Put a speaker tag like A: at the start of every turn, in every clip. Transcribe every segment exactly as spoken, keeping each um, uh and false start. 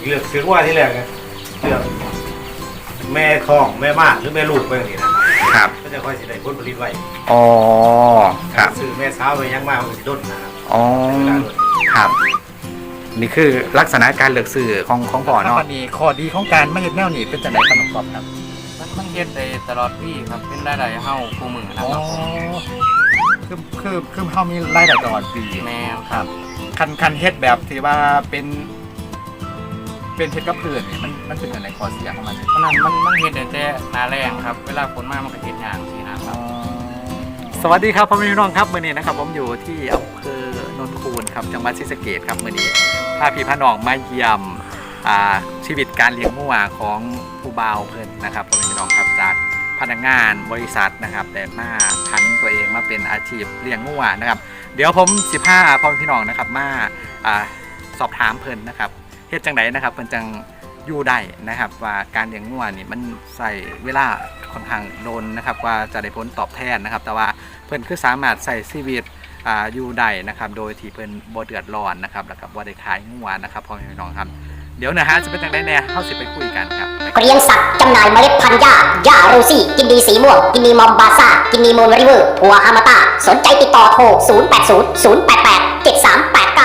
A: เลือกซื้อว่าที่แรกนะเลือกแม่ทองแม่มากหรือแม่ลูกไปอย่างนี้นะครับก็จะค่อยสิได้ผลผลิตไว้
B: อ๋อครับ
A: ซื้อแม่สาวไปยังมากมันสิด้นนะครับ
B: อ๋อครับนี่คือลักษณะการเลือกซื้อของของพ่อเนาะนี่ข้อดีของการไม่เห็นแนวนี้เป็นจังไดครับน้องกอบครับ
C: มันมันเฮ็ดได้ตลอดปีครับเป็นรายได้เฮาคู่มือนะครับ
B: คือคือคือเฮามีรายได้ตลอดปี
C: แม่
B: ครับคันคันเฮ็ดแบบที่ว่าเป็นเป็นเฮ็ดกับพืชนี่มันมันเป็นอะไรข้อเสียของมัน
C: เพราะนั้นมันมันเฮ็ดได้แต่หน้าแรงครับเวลาฝนมามันก็เฮ็ดยากสินะครับ
B: สวัสดีครับพ่อแม่พี่น้องครับมื้อนี้นะครับผมอยู่ที่อำเภอนนคูนครับจังหวัดศรีสะเกษครับมื้อนี้พาพี่พาน้องมาเยี่ยมอ่าชีวิตการเลี้ยงงัวของผู้บ่าวเพิ่นนะครับพ่อแม่พี่น้องครับจากพนักงานบริษัทนะครับแต่มาผันตัวเองมาเป็นอาชีพเลี้ยงงัวนะครับเดี๋ยวผมสิพาพ่อแม่พี่น้องนะครับมาอ่าสอบถามเพิ่นนะครับเฮ็ดจังไดนะครับเพิ่นจังอยู่ได้นะครับว่าการเลี้ยงงัวนี่มันใส่เวลาค่อนข้างโดนนะครับว่าจะได้ผลตอบแทนนะครับแต่ว่าเพิ่นคือสามารถใส่ชีวิตอ่าอยู่ได้นะครับโดยที่เพิ่นบ่เดือดร้อนนะครับแล้วก็บ่ได้ขายงัวนะครับพ่อแม่พี่น้องครับเดี๋ยวนะฮะจะเป็นจังไดแน่เฮาสิไปคุยกันครับ
D: เลี้ยงสัตว์จำหน่ายเมล็ดพันธุ์หญ้าหญ้าโรซี่กินดีสีม่วงกินนีมอมบาซ่ากินนีโมนริเวอร์พัวฮามาตาสนใจติดต่อโทรศูนย์ แปด ศูนย์ ศูนย์ แปด แปด เจ็ด สาม แปด เก้า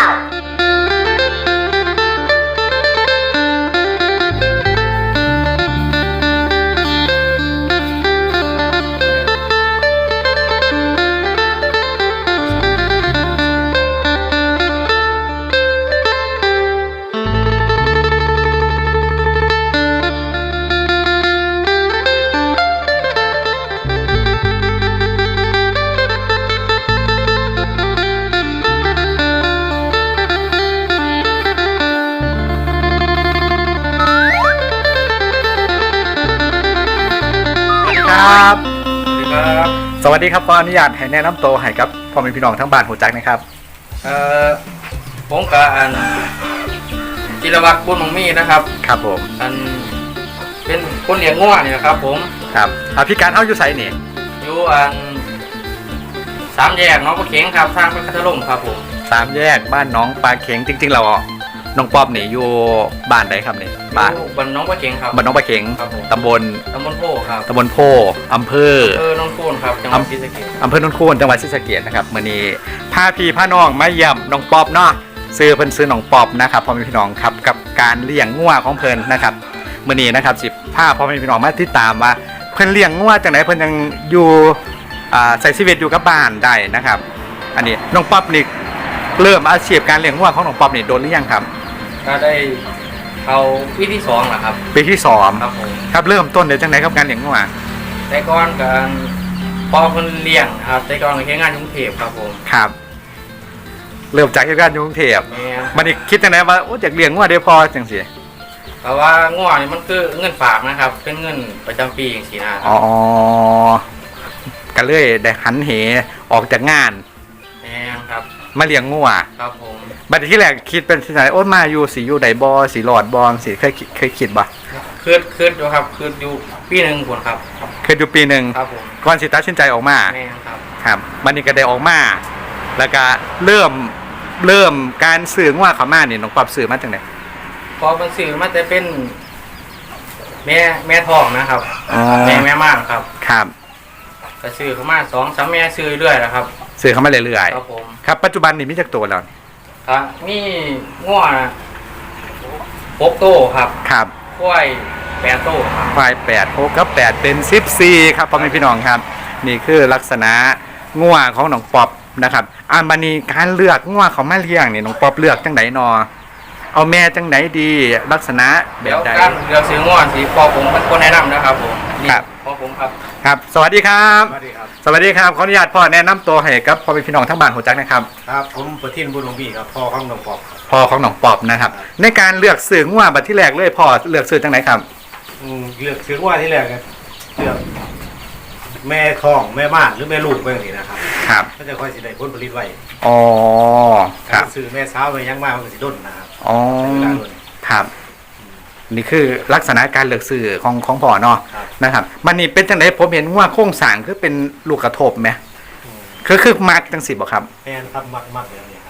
B: ครับ
C: สวัสดีครับ
B: สวัสดีครับขออนุญาตให้แนะนำตัวให้กับพ่อแม่พี่น้องทั้งบ้านหูจักนะครับ
C: เอ่อผมกับอันจิรวัตรบุญมังมีนะครับ
B: ครับผม
C: อันเป็นคนเลี้ยงงัวนี่นะครับผม
B: ครับอ่าพี่การเฮาอยู่ไสนี่
C: อยู่อันสามแยกน้องปลาเข็งครับทางไปคัทลุงครับผม
B: สามแยกบ้านน้องปลาเข็งจริงๆเราน้องป๊อบนี่อยู่บ้านใดครับนี่
C: บ้านบ้านน้องปลาเข็งครับ
B: บ้านน้องปลาเข็งตำบล
C: ตำบลโพครับ
B: ตำบลโพอำเภอ
C: อำเภอนนทคูนครับจังหวัดศรีสะเกษ
B: อำเภอนนทคูนจังหวัดศรีสะเกษนะครับมื้อนี้พาพี่พาน้องมาเยี่ยมน้องป๊อบเนาะซื้อเพิ่นซื้อน้องป๊อบนะครับพ่อแม่พี่น้องครับกับการเลี้ยงงัวของเพิ่นนะครับมื้อนี้นะครับสิพาพ่อแม่พี่น้องมาติดตามว่าเพิ่นเลี้ยงงัวจังได๋เพิ่นยังอยู่อ่าใช้ชีวิตอยู่กับบ้านได้นะครับอันนี้น้องป๊อบนี่เริ่มอาชีพการเลี้ยงงัวของน้องป๊อบนี่โดนหรือยังครับ
C: ก็ได้เอาปีที่สองแหละครับ
B: ปีที่สอง
C: ครับผม
B: ครับเริ่มต้นเดี๋ยวจังไหนครับการเลี้ยงงัว
C: แต่ก่อนการพอคนเลี้ยงครับแต่ก่อนแค่งานกรุงเทพครับผม
B: ครับเริ่มจากงานกรุงเทพมันนี่คิดจังไหนว่าโอ้จากเลี้ยงงัวได้พอจังสิ
C: เพราะว่างัวนี่มันคือเงินฝากนะครับเป็นเงินประจำปีอย่างสีนะครับ
B: อ๋อก็เลยได้หันเหออกจากงาน
C: แม่ครับ
B: มาเลี้ยงงัว
C: ครับผม
B: บัดที่แรกคิดเป็นที่ไหนโอ้มาอยู่สีอยู่ไดบอสีหลอดบอลสีเคยเคยคิดบ่
C: คืดคืดอยู่ครับคืดอยู่ปีหนึ่งคนครับ
B: เคยอยู่ปีหนึ่ง
C: ครับผม
B: ก่อนสิตัดสินใจออกมา
C: แม่ครับ
B: ครับมันนี่ก็ได้ออกมาแล้วก็เริ่มเริ่มการสื่อว่าเขามาเนี่ยน้องปรับสื่อมาจากไหน
C: พอมันสื่อมาจะเป็นแม่แม่ทองนะครับแม่แม่มากครับ
B: ครับ
C: ก็สื่อเขามาสองสามแม่สื่อเรื่อยนะครับ
B: สื่อเขามาเรื่อย
C: ๆครับผม
B: ครับปัจจุบันนี่มีจักตัวแล้ว
C: ครับมีงัวหกโตครับ
B: ครับ
C: ควายแปดโตครับ
B: ควายแปดหกกับแปดเป็นสิบสี่ครับพ่อแม่พี่น้องครับนี่คือลักษณะงัวของน้องป๊อบนะครับอันบันนี้การเลือกงัวเขามาเลี้ยงนี่น้องป๊อบเลือกจังไหนนอเอาแม่จังไหนดีลักษณะแบบใด
C: เลือกซื้องัวสีพอผมเป็นคนแนะนำนะครับผม
B: ครับ
C: พอผมครับ
B: ครับสวัสดีครับสวัสดีครับสวัสดีครับขออนุญาตพ่อแนะนำตัวให้กับพ่อแม่พี่น้องทั้งบ้านหัวจักนะครับ
A: ครับผมประทินบุญหลวงพี่ครับพ่อของน้องป๊อบ
B: พ่อของน้องป๊อบนะครับในการเลือกซื้องัวบัดที่แรกเลยพ่อเลือกซื้อจังไหนครับ
A: อืมเลือกซื้อว่าที่แรกนะเลือกแม่ทองแม่มากหรือแม่ลูกไปอย่างนี้นะครับ
B: ครับ
A: ก็จะค่อยสิได้ผลผลิตไว้
B: อ๋อครับ
A: ซื้อแม่สาวไปยังมากมันก็สิด้นนะครับ
B: อ๋อครับนี่คือลักษณะการเลือกซื้อของของพ่อเนาะนะครับมันนี่เป็นจังไดผมเห็นว่าโครงสร้างคือเป็นลูกกระทบไหมคือคือมักจังสิบ่ครับ
A: แม่นครับมักมักอย่างนี้ครับ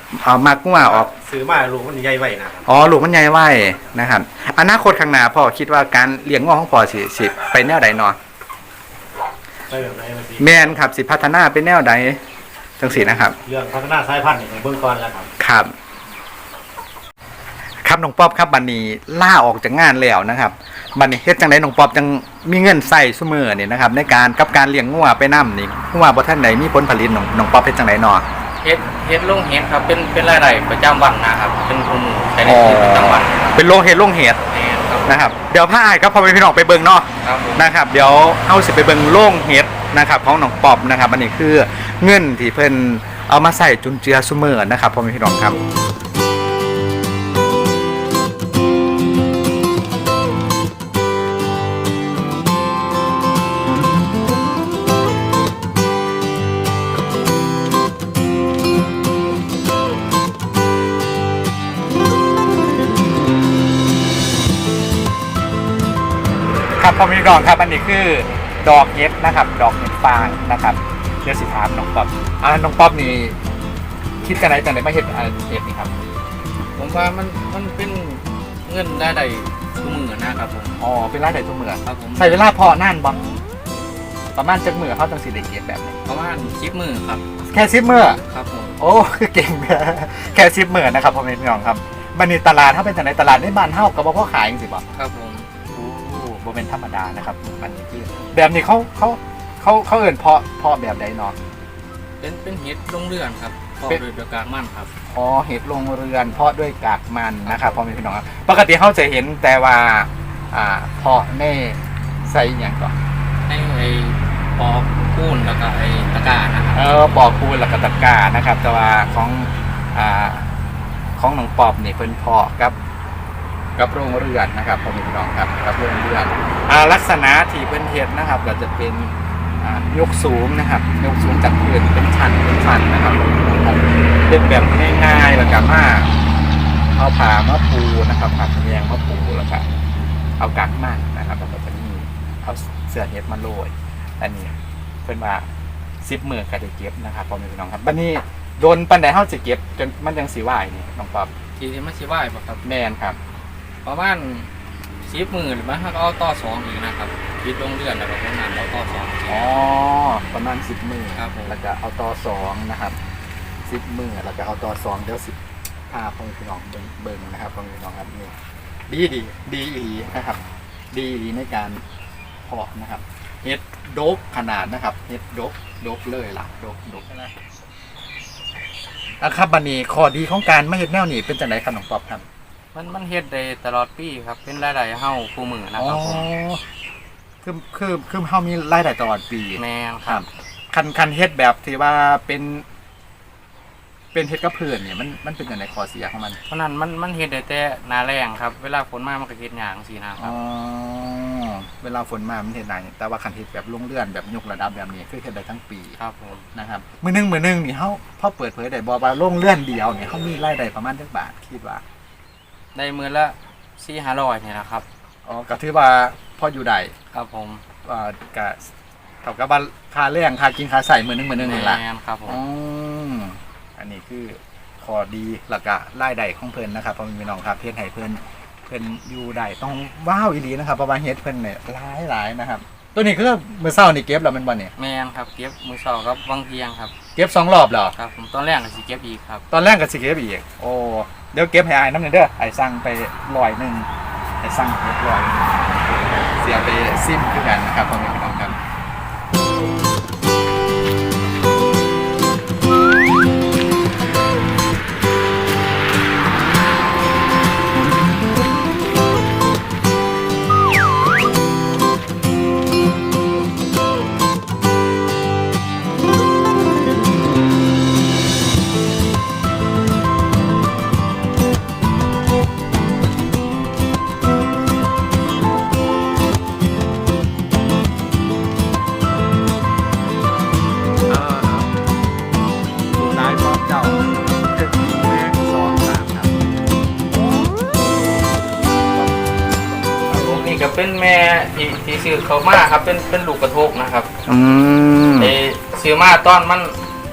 B: เอามากงัวออก
A: ซื้อมาลูกมันใหญ่ไว้นะครับ
B: อ๋อลูกมันใหญ่ไว้นะครับอนาคตข้างหน้าพ่อคิดว่าการเลี้ยงงัวของพ่อสิสิไปแนวใดเนาะ
A: ไปแบบไหนมาสิ
B: แมนครับสิพัฒนาไปแนวใดจังสีนะครับ
A: เรื่องพัฒนาสายพันธุ์ในเบื้องก่อนแล้วครับ
B: ครับครับน้องป๊อบครับบัดนี้ล่าออกจากงานแล้วนะครับบัดนี้เฮ็ดจังไดน้องป๊อบจังมีเงินใส่ซุมื้อนี่นะครับในการกับการเลี้ยงงัวไปนำนี่งัวบ่ทันใดมีผลผลิตน้องน้องป๊อบเฮ็ดจังไดเนาะ
C: เฮ็ดเฮ็ดลงเฮ็ดครับเป็นเป็นรายได้ประจำวันนะครับเป็นทุนใช้ในชีวิตประจำวันครับ
B: เป็นโรงเฮ็ดโรงเฮ็ด
C: แม่นครับ
B: นะครับเดี๋ยวพาอ้ายครับพ่อแม่พี่น้องไปเบิ่งเนาะ
C: ครับผม
B: นะครับเดี๋ยวเฮาสิไปเบิ่งโรงเฮ็ดนะครับของน้องป๊อบนะครับอันนี้คือเงินที่เพิ่นเอามาใส่จุนเจือซุมื้อนะครับพ่อแม่พี่น้องครับครับพ่อแม่พี่น้องครับอันนี้คือดอกเห็ดนะครับ ดอกเห็ดฟางนะครับเดี๋ยวสิถามน้องป๊อบอ่าน้องป๊อบนี่คิดกันไหนจังไดมาเฮ็ดอ่าเห็ดนี่ครับ
C: ผมว่ามันมันเป็นเงินรายได้ทุกมื้อนะครับผม
B: อ๋อเป็นรายได้ทุกมื้อ
C: ครับผม
B: ใช้เวลาเพาะนานบ่ประมาณจักมื้อเฮาจังสิได้เก็บแบบนี้
C: ประมาณสิบมื้อครับ
B: แค่สิบมื้อ
C: ครับผม
B: โอ้คือเก่งแท้แค่สิบมื้อนะครับพ่อแม่พี่น้องครับบัดนี้ตลาดเฮาเป็นจังไดตลาดในบ้านเฮาก็บ่พอขายจังซี่บ่
C: ครับผม
B: โอ้บ่เป็นธรรมดานะครับบัดนี้คือแบบนี้เขาเขาเขาเขาเอิ้นเพาะเพาะแบบใดเนาะ
C: เป็นเป็นเฮ็ดลงเรือนครับพอ
B: เป็น
C: โดยประการมั่นครับ
B: อ๋อเห็ดลงเรือนเพาะด้วยกากมันนะครับพ่อแม่พี่น้องครับปกติเขาจะเห็นแต่ว่าอ่าเพาะในใส่อย่างก่อน
C: ให้ไอ้ปอกปูนแล้วก็ไอ้ตะกร้านะครับ
B: เออปอกคูนหลักตะกร้านะครับ แต่ว่าของอ่าของหนองปอบนี่เพิ่นเพาะกับกับโรงเรือนนะครับพ่อแม่พี่น้องครับกับโรงเรือนอ่าลักษณะที่เพิ่นเฮ็ดนะครับก็จะเป็นอ่ายกสูงนะครับยกสูงจากพื้นเป็นชั้นเป็นชั้นนะครับเป็นแบบง่ายๆแล้วก็มาเอาผ้ามาปูนะครับผ้าขะแยงมาปูแล้วก็เอากากมันนะครับแล้วก็จะมีเอาเสื้อเฮ็ดมาโรยอันนี้เพิ่นว่าสิบมื้อก็ได้เก็บนะครับพ่อแม่พี่น้องครับบัดนี้โดนปานใดเฮาสิเก็บจนมันจังสิไหวนี่น้องป๊อบ
C: ทีนี้มันสิไหวบ่ครับ
B: แม่นครับ
C: ประมาณสิบมื้อหรือมันก็เอาต่อสองอีกนะครับคิดลงเรือนแล้วก็พวกนั้นเอาต่อสองอีก
B: อ๋อประมาณสิบมื้อ
C: ครับผม
B: แล้วก็เอาต่อสองนะครับสิบมื้อแล้วก็เอาต่อสองเดี๋ยวสิพาพ่อแม่พี่น้องเบิ่งเบิ่งนะครับพ่อแม่พี่น้องครับนี่ดีดีดีอีหลีนะครับ ดีอีหลีในการเพาะนะครับเฮ็ดโดกขนาดนะครับเฮ็ดโดกโดกเลยล่ะโดกโดกนะอ่ะครับบัดนี้ข้อดีของการไม่เฮ็ดแนวนี้เป็นจังไดครับน้องป๊อบครับ
C: มันมันเฮ็ดได้ตลอดปีครับ เป็นรายได้เฮาคู่มือนะครับผม
B: คือคือคือเฮามีรายได้ตลอดปี
C: แม่น
B: ค
C: ครั
B: รับบ คันคันเฮ็ดแบบที่ว่าเป็น เป็นเฮ็ดกับเพื่อนเนี่ยมันมันเป็นจังไดข้อเสียของมัน
C: เพราะนั้นมันมันเฮ็ดได้แต่หนาแรงครับ เวลาฝนมามันก็เฮ็ดหยางสินะค
B: อ๋
C: รั
B: อบ เวลาฝนมามันเฮ็ดได้แต่ว่าคันเฮ็ดแบบลงเลื่อนแบบยกระดับแบบนี้คือเฮ็ดได้ทั้งปี
C: ครับผม
B: นะครับมื้อนึงมื้อนึงนี่เฮาพอเปิดเผยได้บ่ว่าลงเลื่อนเดียวเนี่ยเฮามีรายได้ประมาณจักบาทคิดว่า
C: ได้มื้อละสี่ห้าร้อยนี่แหละครับ
B: อ๋อก็ถือว่าพออยู่ได้
C: ครับผม
B: อ่าก็เท่ากับว่าค่าแรงค่ากินค่าใช้มื้อนึงมื้อนึงนี่ล่ะ
C: แม่นครับผม
B: อืมอันนี้คือข้อดีแล้วก็รายได้ของเพิ่นนะครับพ่อแม่พี่น้องครับเฮ็ดให้เพิ่นเพิ่นอยู่ได้ต้องว้าวอีหลีนะครับเพราะว่าเฮ็ดเพิ่นเนี่ยหลายหลายนะครับ ตัวนี้คือมื้อเช้านี่เก็บแล้วแมันบ่เนี่ย
C: แม่นครับเก็บมื้อเช้ากับบางเที่ยงครับ
B: เก็บสองรอบแล้ว
C: ครับผมตอนแรกก็สิเก็บอีกครับ
B: ตอนแรกก็สิเก็บอีกโอ้เดี๋ยวเก็บให้อายน้ำหนึงเด้อไอ้สั่งไปร้อยหนึงไอ้สั่งเก็บร้อยหนึ่งเสียไปซิมคือกันนะครับพ่อแม่พี่น้องครับ นายพร้อมเจ้าแม่สองสามครับ
C: ผมนี่ก็เป็นแม่ที่ที่ซื้อเขามาครับเป็นเป็นลูกกระทกนะครับ
B: อืม
C: ไอ้ซื้อมาตอนมัน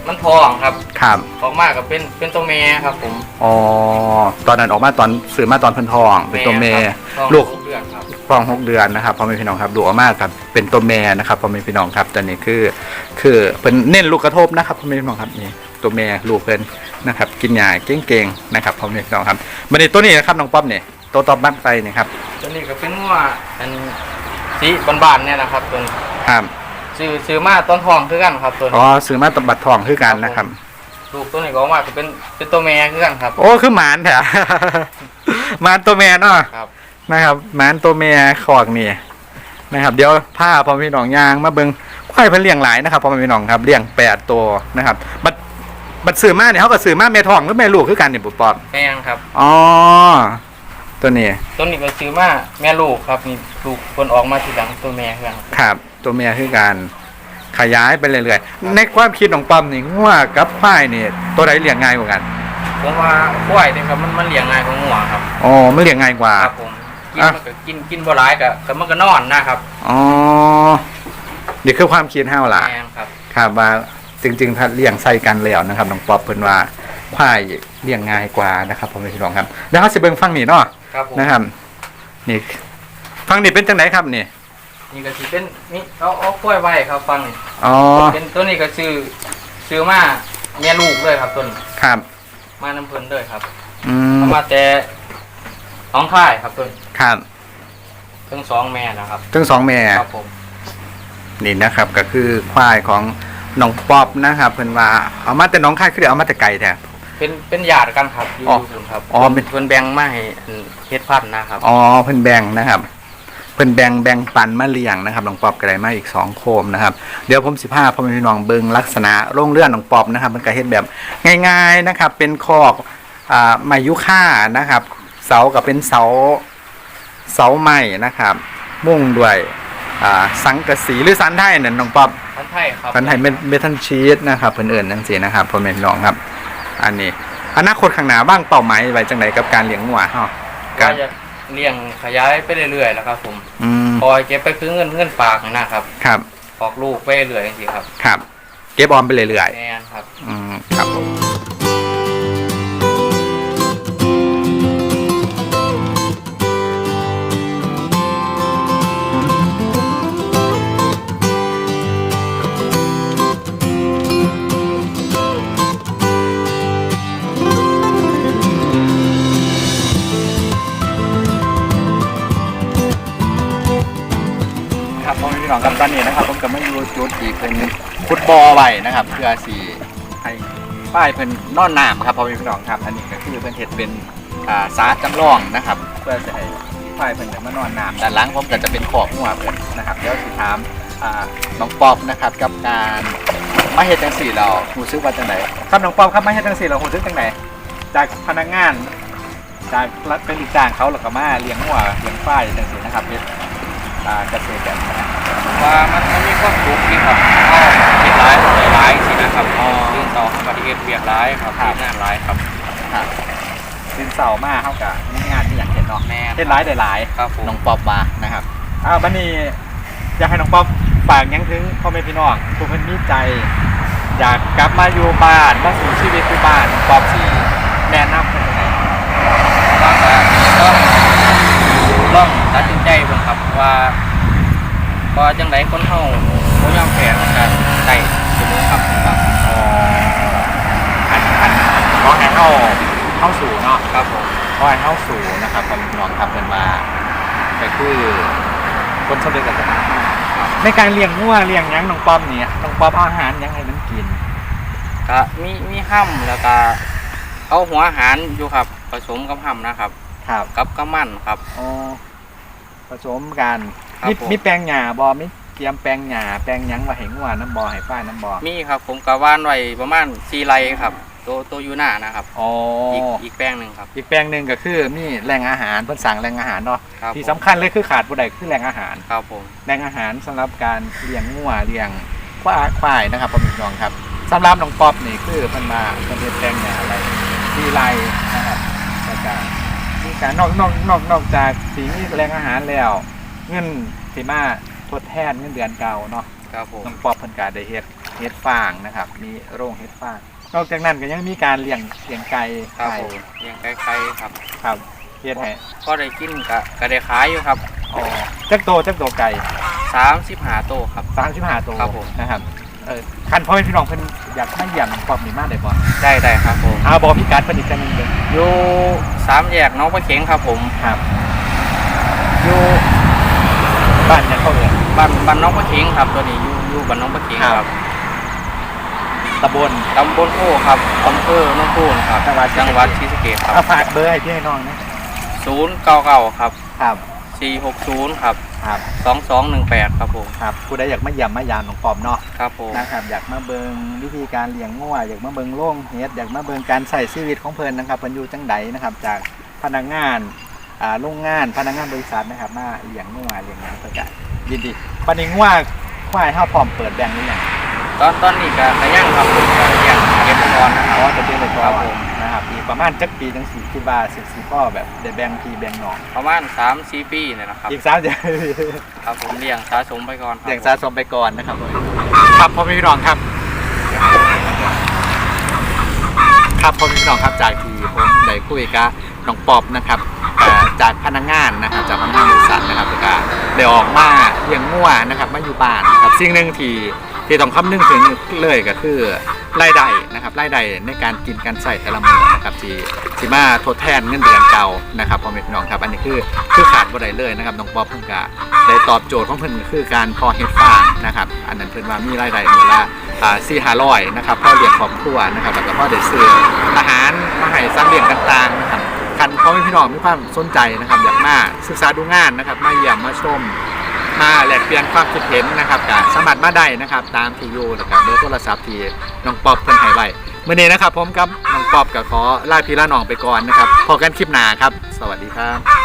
C: มันทองครับ
B: ครับ
C: ออกมาก็เป็นเป็นตัวแม่ครับผม
B: อ๋อตอนนั้นออกมาตอนซื้อมาตอนเพิ่นทองเป็นตัวแม่
C: ครับ
B: ลูก
C: ทองเดือนครับ
B: ฟองหกเดือนนะครับพ่อแม่พี่น้องครับดูออกมาครับเป็นตัวแม่นะครับพ่อแม่พี่น้องครับตอนนี้คือคือเป็นเน้นลูกกระทบนะครับพ่อแม่พี่น้องครับนี่ตัวแม่ลูกเพิ่นนะครับกินยาเก่งๆนะครับพ่อแม่พี่น้องครับมันนี่ตัวนี้นะครับน้องป๊อปเนี่ยตัวตอบบ้านไฟนี่ครับ
C: ตัวนี้ก็เป็นงัวอันสีบานๆเนี่ยนะครับตัวนี้
B: ครับ
C: ซื้อซื้อมาต้นทองคือกันครับตัว
B: อ๋
C: นี้
B: อซื้อมาตบบัตรทองคือกันนะครับ
C: ลูกตัวนี้ก็ออกมาก็เป็นเป็นตัวแม่คือกันครับ
B: โอ้คือหมานแท้ หมานตัวแม่เนาะ
C: ครับ
B: นะครับหมานตัวแม่ขอกนี่นะครับเดี๋ยวผ้าพ่อแม่พี่น้องยางมาเบิ่งควายเพิ่นเลี้ยงหลายนะครับพ่อแม่พี่น้องครับเลี้ยงแปดตัวนะครับบัดบัดซื้อมาเนี่ยเขาก็ซื้อมาแม่ทองหรือแม่ลูกคือกันนี่ปุ๊บป๊อบ
C: แม่งครับ
B: อ๋อตัวนี้
C: ตัวนี้ก็ซื้อมาแม่ลูกครับนี่ลูกคนออกมาทีหลังตัวแม่คือกัน
B: ครับตัวแม่คือการขยายไปเรื่อยๆในความคิดของป๊อมนี่งัวกับควายนี่ตัวใดเลี้ยงง่ายกว่ากัน
C: ผมว่าควายเนี่ยครับมันมันเลี้ยงง่ายกว่างัวครับ
B: อ๋อมันเลี้ยงง่ายกว่า
C: ครับผมกินมันก็กินกินบ่หลายก็ก็มันก็นอนนะครับ
B: อ๋อนี่คือความคิดเฮาล่ะ
C: แม่งครับ
B: ครับว่าจริงๆถ้าเลี้ยงใส่กันแล้วนะครับน้องป๊อปเพิ่นว่าควายเลี้ยงง่ายกว่านะครับพ่อแม่พี่น้องครับแล้วเฮาสิเบิ่งฟังนี่เนาะ
C: ครับผม
B: นะครับนี่ฟังนี่เป็นจังไดครับนี่
C: นี่ก็สิเป็นนี่เอาเอากล้วยไว้ครับฟังนี่
B: อ๋อ
C: เป็นตัวนี้ก็ซื้อซื้อมาแม่ลูกเลยครับตัวนี้
B: ครับ
C: มาน้ำเพิ่นเลยครับ
B: อืม
C: เอามาแต่สองค่ายครับตัวนี้
B: ครับ
C: ทั้งสองแม่นะครับ
B: ทั้งสองแม่
C: ครับผม
B: นี่นะครับก็คือควายของน้องป๊อปนะครับเพิ่นว่าเอามาแต่น้องค่ายคือเดี๋ยวเอามาแต่ไกลแท้
C: เป็นเป็นญาติกันครับอยู่
B: อ๋อ
C: อยู่ครับ
B: อ๋อเป็น
C: เพิ่นแบ่งมาให้อันเฮ็ดพันธุ์นะครับ
B: อ๋อเพิ่นแบ่งนะครับเพิ่นแบ่งแบ่งปันมาเลี้ยงนะครับน้องป๊อปก็ได้มาอีกสองโคมนะครับเดี๋ยวผมสิพาพ่อแม่พี่น้องเบิ่งลักษณะโรงเรือนน้องป๊อปนะครับมันก็เฮ็ดแบบง่ายๆนะครับเป็นคอกอ่าไม้ยุค่านะครับเสาก็เป็นเสาเสาไม้นะครับมุ่งด้วยอ่าสังกะสีหรือสันไทยนั่นน้องป๊อป
C: พันธุ์ไทยครับ
B: สันไทยเมเมทัลชีสนะครับเพิ่นเอิ้นจังซี่นะครับพ่อแม่พี่น้องครับอันนี้อนาคตข้างหน้าบ้างเป้าหมายไว้จังไดกับการเลี้ยงงัวเฮา
C: ก็
B: การ
C: จะเลี้ยงขยายไปเรื่อยๆแล้วครับผม
B: อืม
C: คอยเก็บไปคือเงินเงินฝากนะครับ
B: ครับ
C: ออกลูกไปเรื่อยๆจังซี่ครับ
B: ครับเก็บออมไปเรื่อย
C: แม่นครับ
B: ๆอืมครับผมครับพ่อแม่พี่น้องครับตอนนี้นะครับผมก็มาอยู่จุดที่เป็นฟุตบอลไว้นะครับเพื่อสีให้ป้ายเพิ่นนอนน้ำครับพ่อแม่พี่น้องครับอันนี้ก็คือเพิ่นเฮ็ดเป็นอ่าสาจำลองนะครับ เพื่อจะให้ป้ายเพิ่นได้มานอนน้ำด้านหลังผมก็จะเป็นขอบหัวเพิ่นนะครับเดี๋ยวสิถามอ่าน้องป๊อปนะครับกับการมาเฮ็ดจังซี่เรารู้สึกว่าจังไดครับน้องป๊อปครับมาเฮ็ดจังซี่เรารู้สึกจังไดจากพนักงานจากรัฐเป็นลูกจ้างเขาแล้วก็มาเลี้ยงหัวเลี้ยงควายจังซี่นะครับเฮ็ดอ่าเกษตรแบบนี้นะ
C: ว่ามันมันมีความสุขดีครับก็เฮ็ดหลายหลายสินะครับอ๋อตื่นต่อเข้ามาที่เฮ็ดเวียกหลายครับ
B: ครับ
C: เฮ็ดงานหลายครับ
B: ครับดินเสาร์มาเท่ากับมีงานที่อยากเห็นเนาะ
C: แม่
B: เห็นร้ายได้หลาย
C: ครับผม
B: น้องป๊อบมานะครับอ้าวบันนี้อยากให้น้องป๊อบฝากหยังถึงพ่อแม่พี่น้องผู้เพิ่นมีใจ อยากกลับมาอยู่บ้านมาสู่ชีวิตที่บ้านน้องป๊อบสิแนะนำเพิ่นยังไง
C: ว่าก็ต้องลองตัดสินใจเบิ่งครับว่าว่าจังไดคนเฮาบ่ยอมแพ้มันก็ได้เสมอครับครับ
B: อ๋ออันอันขอให้เฮาเข้าสู่เนาะ
C: ครับผม
B: ขอให้เข้าสู่นะครับพ่อแม่พี่น้องครับเพิ่นมาก็คือคนสำเร็จกับสถานในการเลี้ยงงัวเลี้ยงหยังน้องป๊อบนี่น้องป๊อบเอาอาหารหยังให้มันกิน
C: ก็มีมีห้ำแล้วก็เอาหัวอาหารอยู่ครับผสมกับห้ำนะครับ
B: ครับ
C: กับกระมันครับ
B: อ๋อผสมกัน
C: ครับ
B: มี
C: ผม
B: มีแปลงหญ้าบ่มีเตรียมแปลงหญ้าแปลงหยังว่าให้งัวน้ำบ่ให้ฝ้ายน้ำบ่
C: มีครับผมกะว่านไว้ประมาณสี่ไร่ครับตัวตัวอยู่หน้านะครับ
B: อ๋อ
C: อี
B: อี
C: กอีกแป้งหนึ่งครับ
B: อีกแปลงหนึงก็คือมีแหล่งอาหารเพิ่นสั่งแหล่งอาหารเนาะ
C: ครับ
B: ที่
C: ผม
B: สำคัญเลยคือขาดบ่ได้คือแหล่งอาหาร
C: ครับผม
B: แหล่งอาหารสำหรับการเลี้ยงงัวเลี้ยงควายควายนะครับพ่อแม่พี่น้องครับสำหรับน้องป๊อบนี่คือเพิ่นมาเพิ่นเฮ็ดแปลงหญ้าอะไรมีไรนะครับแล้วก็มีการนอกนอกนอกนอกจากสิมีแหล่งอาหารแล้วเงินสิมาทดแทนเงินเดือนเก่าเนาะ
C: ครับผม
B: น้องป๊อบเพิ่นก็ได้เฮ็ดเฮ็ดฟางนะครับมีโรงเฮ็ดฟางนอกจากนั้นก็ยังมีการเลี้ยงเลี้ยงไก่
C: ครับ
B: ไก่
C: ผมเลี้ยงไก่ไข่ครับ
B: ครับเฮ็ดให้
C: ก็ได้กินกะก็ได้ขายอยู่ครับ
B: อ๋อจักโตจักโตไก่
C: สามสิบห้าโตครับ
B: สามสิบห้าโต
C: ครับผม
B: นะครับเออคันพ่อแม่พี่น้องเพิ่นอยากมาเยี่ยมความมีมาได้บ่
C: ได้ได้ครับผม
B: เอาบอกพี่การเพิ่นอีกจังนึงเด้อ
C: อยู่สามแยกน้องปลาเข็งครับผม
B: ครับอยู่บ้านยังเข้าเอ่ย
C: บ้านบ้านน้องปลาเข็งครับตัวนี้อยู่อยู่บ้านน้องปลาเข็ง
B: ครับ
C: ครับ
B: ตำบล
C: ตำบลโพครับอำเภอหน้องโพนะครับ
B: จังหวัด
C: จังหวัดศรีสะเกษค
B: เอา
C: รับ
B: ฝากเบอร์ให้พี่ให้น้องนะ
C: ศูนย์เก้าเก้าครับ
B: ครับ
C: สี่หกศูนย์ครับ
B: ครับ
C: สองสองหนึ่งแปดครับผม
B: ครับผู้ใดอยากมาเยี่ยมมายามน้องปอมเนาะ
C: ครับผม
B: นะครับอยากมาเบิงวิธีการเลี้ยงงัวอยากมาเบิงโล่งเฮ็ดอยากมาเบิงการใส่ชีวิตของเพิ่นนะครับเพิ่นอยู่จังใดนะครับ จากพนักงานอ่าโรงงานพนักงานบริษัทนะครับมาเลี้ยงงัวเลี้ยงหยังเพิ่นก็ยินดีปานนี้งัวควายเฮาพร้อมเปิดแบ่งหรือยัง
C: ตอนตอนนี้ก็ขยังครับผมก็เลี้ยงเก็บก่อนนะค
B: อ๋
C: รับ
B: อจะเป็นเลย
C: ครับผม
B: นะครับอีกประมาณจักปีจังสิคิดว่าสิสิพ่อแบบได้แบ่งพี่แบ่งน้อง
C: ประมาณสามสี่ปีเนี่ยนะครับ
B: อีกสามเดือน
C: ครับผมเลี้ยงสะสมไปก่อนครับ
B: เลี้ยงสะสมไปก่อนนะครับครับพ่อแม่พี่น้องครับ ครับพ่อแม่พี่น้องครับจากที่ผมได้คุยกับน้องปอบนะครับอ่าจากพนักงานนะครับจากพนักงานบริษัทนะครับแล้วก็ได้ออกมาเลี้ยงงัวนะครับมาอยู่บ้านนะครับสิ่งหนึ่งที่ที่ต้องคำนึงถึงเลยก็คือรายได้นะครับรายได้ในการกินการใส่แต่ละมื้อนะครับที่ที่มาทดแทนเงินเดือนเก่านะครับพ่อแม่พี่น้องครับอันนี้คือคือขาดบ่ได้เลยนะครับน้องปอบเพิ่นก็ได้ตอบโจทย์ของเพิ่นก็คือการเพาะเฮ็ดฟางนะครับอันนั้นเพิ่นว่ามีรายได้มื้อละอ่าสี่ห้าร้อยนะครับพอเลี้ยงครอบครัวนะครับแล้วก็พอได้ซื้ออาหารมาให้สัตว์เลี้ยงต่างๆนะครับคันพ่อแม่พี่น้องมีความสนใจนะครับอยากมาศึกษาดูงานนะครับมาเยี่ยมมาชมมาแลกเปลี่ยนความคิดเห็นนะครับก็สามารถมาได้นะครับตามที่อยู่แล้วก็เบอร์โทรศัพท์ที่น้องปอบเพิ่นให้ไว้มื้อนี้นะครับผมกับน้องปอบก็ขอลาพี่ลาน้องไปก่อนนะครับพบกันคลิปหน้าครับสวัสดีครับ